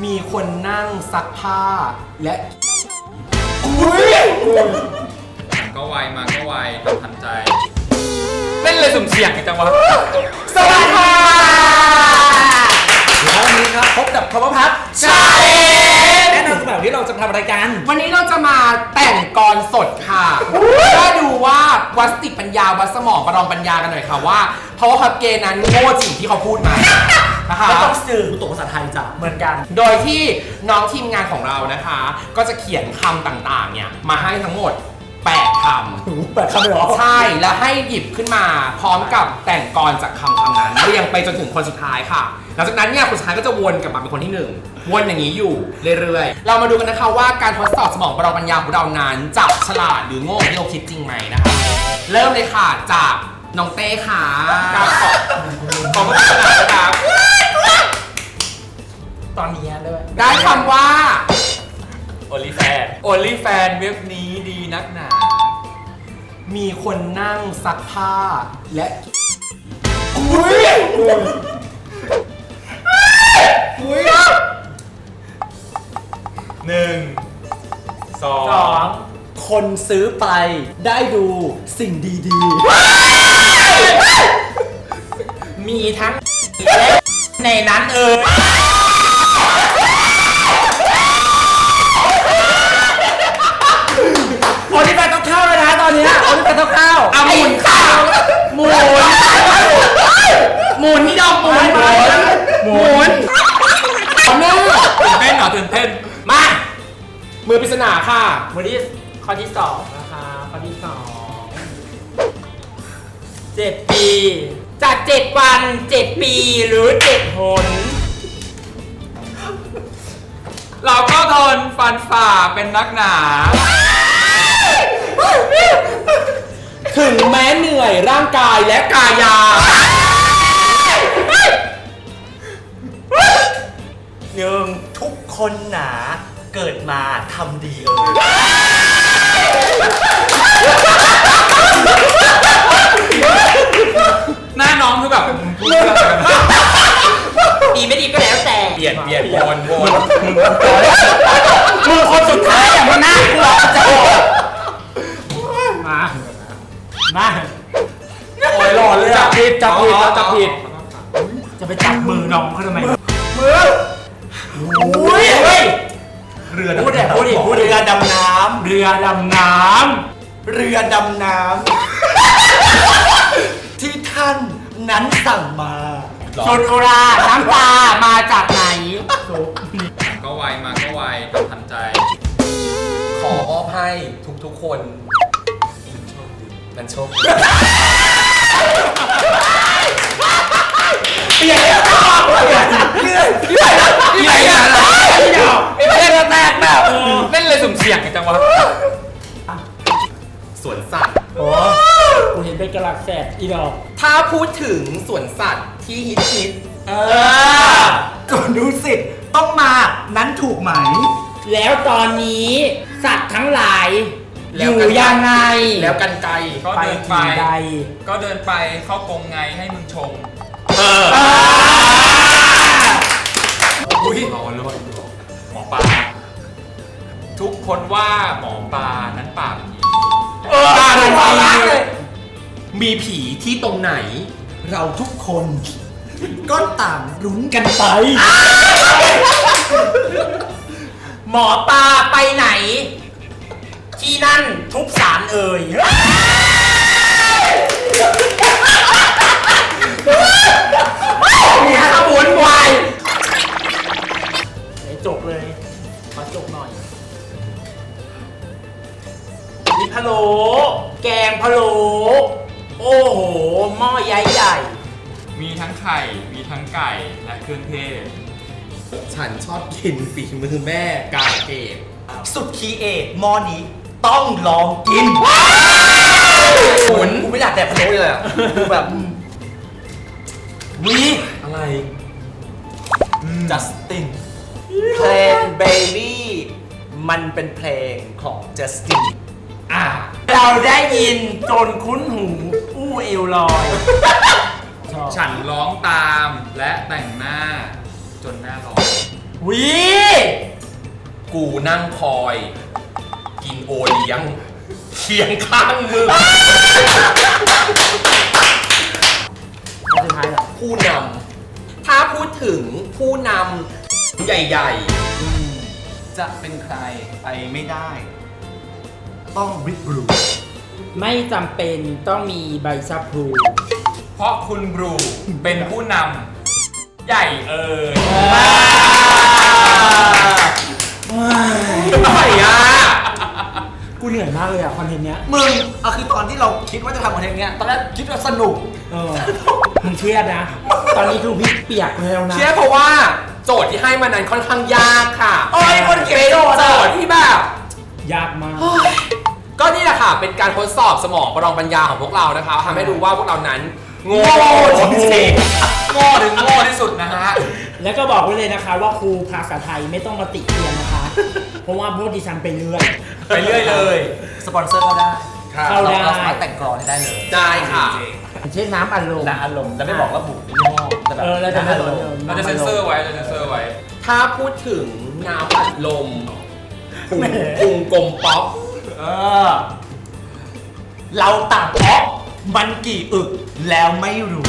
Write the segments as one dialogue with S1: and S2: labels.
S1: มีคนนั่งซักผ้าและอุ้ย
S2: ก็ไวมาก็ไวทำทันใจเล่นเลยสุ่มเสี่ยงกันจังวะ
S1: สวัสดีค่ะ
S3: แล้ววันนี้ครับพบกับคอมพัท
S1: ใช่
S3: แนะนำแบบที่เราจะทำรายการ
S1: วันนี้เราจะมาแต่งกรสดค่ะก็ดูว่าวัดสติปัญญาวัดสมองประลองปัญญากันหน่อยค่ะว่าเพราะว่าคับเกนั้นโง่จริงที่เขาพูดมานะคะ
S3: ก็ต้องสื่อตัวภาษาไทยจ้ะเหมือนกัน
S1: โดยที่น้องทีมงานของเรานะคะก็จะเขียนคำต่างๆเนี่ยมาให้ทั้งหมด8 คำ
S3: 8 คำเลยเหรอ
S1: ใช่แล้วให้หยิบขึ้นมาพร้อมกับแต่งกรจากคำนั้นเรียงไปจนถึงคนสุดท้ายค่ะหลังจากนั้นเนี่ยคนสุดท้ายก็จะวนกลับมาเป็นคนที่1วนอย่างนี้อยู่เรื่อยๆเรามาดูกันนะคะว่าการทดสอบสมองประลองปัญญาของเรานั้นจะฉลาดหรือโง่ที่เราคิดจริงไหมนะคะเริ่มเลยค่ะจากน้องเต้ค่ะขอบคุณครับ
S3: ตอนนี้ด้วย
S1: ได้คำว่า
S2: โอลิแฟนเว็บนี้ดีนักหนา
S1: มีคนนั่งซักผ้าและอุ้ย
S2: 1 2
S3: คนซื้อไปได้ดูสิ่งดี
S1: ๆมีทั้งและในนั้น
S3: โอลิแฟนต้องเข้าแล้วนะตอนนี้โอลิแฟนต้องเข้า
S1: หมุนค่ะหมุนนี่ดอกหมุน
S2: ตื่นเต้น
S1: มามือปริศนาค่ะ
S3: มือที่ข้อที่2นะคะข้อที่2 7 ปี
S1: จาก7 วัน7 ปีหรือ7 หน
S2: เราก็ทนฟันฝ่าเป็นนักหนา
S1: ถึงแม้เหนื่อยร่างกายและกายา
S3: ทุกคนหนาเกิดมาทำดี
S2: หน้าน้องคือแบบ
S1: ดีไม่ดีก็แล้วแต่
S2: เปลี่ยนวน
S1: มือคนสุดท้ายอย่างมันน่ากลัวจะโหด
S3: มา
S1: โอ้ยหล่อเลย
S3: จับผิดจะไปจับมือน้องเขาทำไม
S1: มืออุ้ย
S3: เรือพูดดิเรือดำน้ำที่ท่านนั้นสั่งมา
S1: โซโนราน้ำตามาจากไหน
S2: ก็ไวมาก็ไวทำทันใจ
S1: ขอมอบให้ทุกคนมันโชคดีเปลี่ยน
S2: เล่นเลยสุ่มเสี่ยงกันจังวะ
S1: สวนสัตว์
S3: โอ้กูเห็นเป็นกระลักแสบอีดอก
S1: ถ้าพูดถึงสวนสัตว์ที่ฮิต
S3: ส่วนดูสิต้องมานั้นถูกไหม
S1: แล้วตอนนี้สัตว์ทั้งหลายอยู่ยังไงแล้วกันไกล
S2: ก็เดินไปเข้ากรงไงให้มึงชงอุ้ยรอเลยหมอปลาทุกคนว่าหมอปลานั้นปากผี
S1: มีผีที่ตรงไหน
S3: เราทุกคนก็ต่างลุ้นกันไป
S1: หมอปลาไปไหนที่นั่นทุกสารมีขบวนวาย
S3: จบเลยมาจบหน่อยมีพะโล้
S1: แกงพะโล้โอ้โหหม้อใหญ่
S2: มีทั้งไข่มีทั้งไก่และเครื่องเทศ
S1: ฉันชอบกินฝีมือแม่กาเกต
S3: สุดคีเอทหม้อนี้ต้องลองกิน
S1: ขุน
S3: กูไม่อยากแดกพะโล้เลยอ่ะกูแบบ
S1: วิอะไร
S3: จัสตินเพลง Baby มันเป็นเพลงของจัสติน
S1: เราได้ยินจนคุ้นหูอู้เอวลอย
S2: ฉันร้องตามและแต่งหน้าจนหน้าร้อน
S1: วิ กูนั่งคอย กินโอเลี้ยงเคียงข้างมึง
S4: สุดท้ายเหรอ
S1: ผู้นำ ถ้าพูดถึงผู้นำใหญ่
S3: จะเป็นใครไปไม่ได้ ต้องบิ๊กบลู
S4: ไม่จำเป็นต้องมีใบชะพลู
S2: เพราะคุณบรูเป็นผู้นำใหญ่เอ่ย
S1: ๆทำไมอ่ะ
S4: กูเหนื่อยมากเลยอ่ะคอนเทนต์เนี้ย
S3: มึงเอาคือตอนที่เราคิดว่าจะทำคอนเทนต์เนี้ยตอนแรกคิดว่าสนุก
S4: เออมึงเครียดนะ ตอนนี้คือพี่เปียกแล้วนะ
S1: เชื่อเพราะว่าโจทย์ที่ให้มานั้นค่อนข้างยากค่ะ
S3: โอ้ยคนเขียน
S1: เป็น
S3: โจทย์อะ
S1: โจทย์ที่แบบ
S4: ยากมาก
S1: ก็นี่แหละค่ะ เป็นการทดสอบสมองประลองปัญญาของพวกเรานะคะทำให้รู้ว่าพวกเรานั้นโง่
S3: จริง
S2: โง่ถึงโง่ที่สุดนะฮะ
S4: แล้วก็บอกไว้เลยนะคะว่าครูภาษาไทยไม่ต้องมาติเตียนนะคะ เพราะว่าพวกดิฉันไปเรื่อย
S2: ไปเรื่อยเลย
S3: สปอนเซอร์เข้าได้
S4: เข้าได้
S3: เราสามารถแต่งกรอนให้ได้เลย
S1: ได้ค่ะ
S4: เช่นน้ำอัดลม
S3: นะอารมณ์จะไม่บอกระบุยี่ห้อแต่แบบ
S4: เราจะไม่บอก
S2: เราจะเซ็นเซอร์ไว้เราจะเซ็นเซอร์ไว้
S1: ถ้าพูดถึงน้ำอัดลมพุงกลมป๊อก
S3: เออ เราต่างเพราะมันกี่อึกแล้วไม่รู้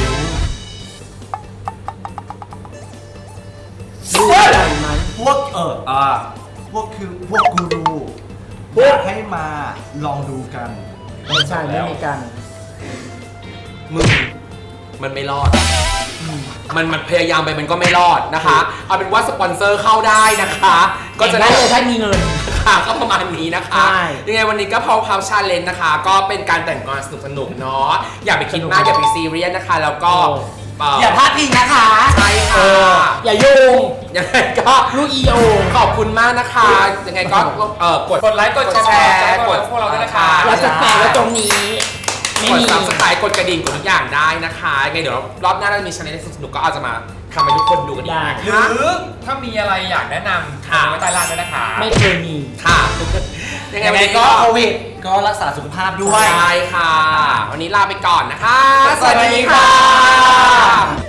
S4: รู้อะไรไหม
S3: พวกพวกคือพวกกูรู
S4: พวก
S3: อยากให้มาลองดูกัน
S4: ไม่ใช่ไม่มีกัน
S1: มึงมันไม่รอด มันพยายามไปมันก็ไม่รอดนะคะ เอาเป็นว่าสปอนเซอร์เข้าได้นะคะ ก็จะได้
S4: เลยถ้ามีเงิน
S1: ค่ะก็ประมาณนี้นะคะ
S4: ใช่
S1: ยังไงวันนี้ก็พาวชาเลนจ์นะคะ ก็เป็นการแต่งกลอนสนุกๆเนาะอย่าไปคิดมากอย่าไปซีเรียสนะคะ แล้วก็
S3: อย่าพลาดพิงนะคะ
S1: ใช่
S4: เอ
S1: ค่ะ
S4: ออย่าโยง
S1: ยังไงก็
S4: ลูกอีโอ
S1: ขอบคุณมากนะคะ ยังไงก็กดไลค์กดแชร์กด
S2: พวกเราด้วยนะคะ
S4: เราจะแปะไว้ตรงนี้ ไม่
S1: กด
S4: มี
S1: subscribe กดกระดิ่งกดทุกอย่างได้นะคะยังไงเดี๋ยวรอบหน้าเรามีชาเลนจ์สนุกๆก็อาจจะมาทำให้ทุกคนดูกันอีกนะ
S2: หรื
S1: คะ
S2: อถ้ามีอะไรอยากแนะนำคอมเมนต์ไว้ใต้ล่างด้วยนะคะ
S4: ไม่เคยมี
S1: ค่ะ ยังไง
S3: ยัง
S1: วัน
S3: ไง
S1: นี้
S3: ก็
S1: ก็
S3: โควิดก็รักษาสุขภาพด้วย
S1: ใช่ค่ะ วันนี้ลาไปก่อนนะคะ
S3: สวัสดีค่ะ